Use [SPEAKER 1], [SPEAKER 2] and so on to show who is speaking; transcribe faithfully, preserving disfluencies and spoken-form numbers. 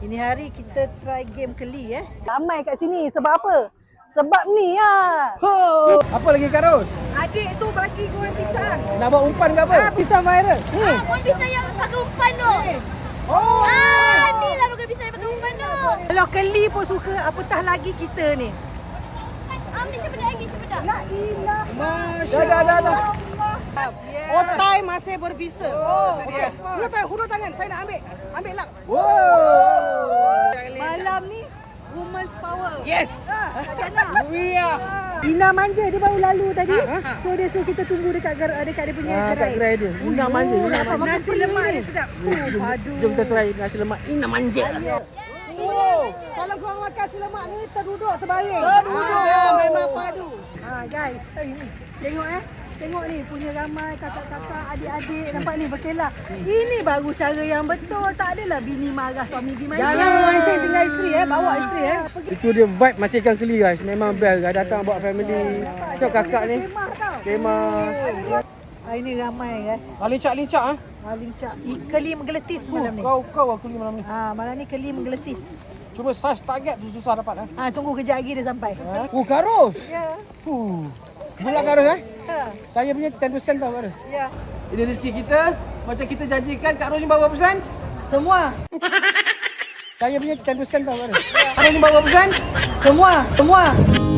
[SPEAKER 1] Ini hari kita try game keli eh. Ramai kat sini sebab apa? Sebab ni lah.
[SPEAKER 2] Ho! Apa lagi Kak Ros?
[SPEAKER 1] Adik tu bagi goreng pisang.
[SPEAKER 2] Nak buat umpan ke apa?
[SPEAKER 1] Ah, pisang viral. Ni.
[SPEAKER 3] Ah, goreng pisang yang pakai umpan tu.
[SPEAKER 2] Oh!
[SPEAKER 3] Ah, ni lah goreng pisang yang pakai umpan tu.
[SPEAKER 1] Kalau keli pun suka, apatah lagi kita ni.
[SPEAKER 3] Ambil cepat lagi, cepat.
[SPEAKER 1] La ilah.
[SPEAKER 2] Masya dah, dah, dah.
[SPEAKER 1] Yeah.
[SPEAKER 4] Otai masih berbisa.
[SPEAKER 1] Oh,
[SPEAKER 4] Okey. Hulur tangan, hulur tangan. Saya nak ambil. Ambil lah.
[SPEAKER 2] Wow!
[SPEAKER 1] Malam ni women's power.
[SPEAKER 4] Yes.
[SPEAKER 1] Ah, Kak Jana.
[SPEAKER 4] We are.
[SPEAKER 1] Ina manja dia baru lalu tadi.
[SPEAKER 4] Ha, ha, ha.
[SPEAKER 1] So dia suruh kita tunggu dekat gar- dekat dia punya
[SPEAKER 2] Ah, kat
[SPEAKER 1] gerai.
[SPEAKER 2] gerai dia. Ina manja, Ina
[SPEAKER 1] Apa
[SPEAKER 2] manja.
[SPEAKER 1] nasi lemak dia sedap. Oh, padu.
[SPEAKER 2] Jom kita try nasi lemak Ina manja.
[SPEAKER 4] Oh, kalau korang makan nasi lemak ni terduduk terbaring.
[SPEAKER 2] Terduduk.
[SPEAKER 4] Ah, memang padu.
[SPEAKER 1] Ah guys, tengok eh. Tengok ni punya ramai kakak-kakak, adik-adik nampak ni berkelah. Ini baru cara yang betul. Tak adalah bini marah suami pergi mancing.
[SPEAKER 4] Jangan memancing tinggal isteri eh, bawa isteri eh.
[SPEAKER 2] Itu dia vibe macam ikan keli guys. Memang best guys. Datang bawa family. Tengok kakak ni.
[SPEAKER 1] Kemah tau.
[SPEAKER 2] Kemah.
[SPEAKER 1] Hari ni ramai guys.
[SPEAKER 2] Ah, lincak-lincak ah.
[SPEAKER 1] Ah, lincak. Keli menggeletis malam ni.
[SPEAKER 2] Kau kau aku keli malam ni.
[SPEAKER 1] Ah, malam ni keli menggeletis.
[SPEAKER 2] Cuma saiz target tu susah dapat ah.
[SPEAKER 1] Ah, tunggu kejap lagi dia sampai.
[SPEAKER 2] Oh, Kak Ros.
[SPEAKER 1] Ya.
[SPEAKER 2] Huh. Bulat Kak Ros eh.
[SPEAKER 1] Ha.
[SPEAKER 2] Saya punya sepuluh peratus tau Kak Ros.
[SPEAKER 1] Ya.
[SPEAKER 2] Ini rezeki kita. Macam kita janjikan Kak Ros ni berapa persen?
[SPEAKER 1] Semua.
[SPEAKER 2] Saya punya sepuluh peratus tau Kak Ros. Kak Ros ni berapa persen?
[SPEAKER 1] Semua. Semua.